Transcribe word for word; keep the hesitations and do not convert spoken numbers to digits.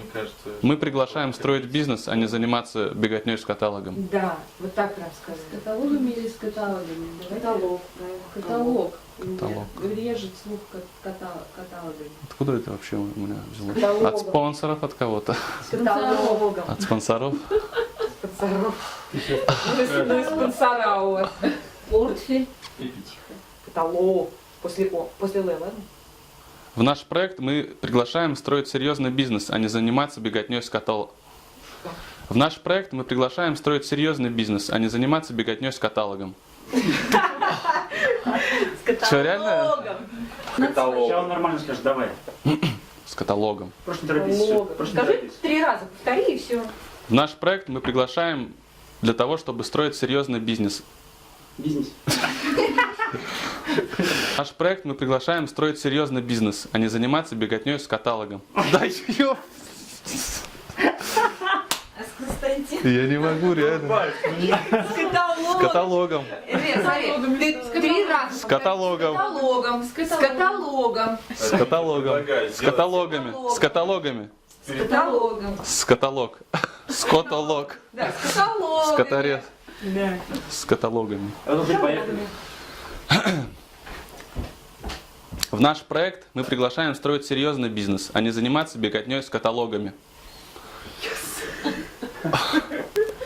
кажется... Мы приглашаем строить бизнес, а не заниматься беготней с каталогом. Да, вот так прям С сказать. каталогами или с каталогами? Давайте. Каталог, правильно. Каталог. Каталог. Режет слух ката- каталогами. Откуда это вообще у меня взялось? Каталогом. От спонсоров, от кого-то? С каталогом. От спонсоров? Спонсоров. Ну и спонсора у вас. Портфель. Каталог. После О. После Л, ладно? В наш проект мы приглашаем строить серьезный бизнес, а не заниматься беготней с каталогом. В наш проект мы приглашаем строить серьезный бизнес, а не заниматься беготней с каталогом. С Что, реально? каталогом. Сейчас он нормально скажет, давай. С каталогом. Просто не торопись. всё, Каталогом. Просто не Скажи торопись. три раза, повтори и все. В наш проект мы приглашаем для того, чтобы строить серьезный бизнес. Бизнес. В наш проект мы приглашаем строить серьезный бизнес, а не заниматься беготней с каталогом. Да ёп! А с Константином? Я не могу, реально. С С каталогом. Нет, смотри, ты три раза. С каталогом. Каталогом. С каталогом. С каталогом. С каталогами. С каталогами. С каталогом. С каталог. С каталог. Да, с каталогом. С катарет. Да. С каталогами. А ну, поехали. В наш проект мы приглашаем строить серьезный бизнес, а не заниматься беготней с каталогами.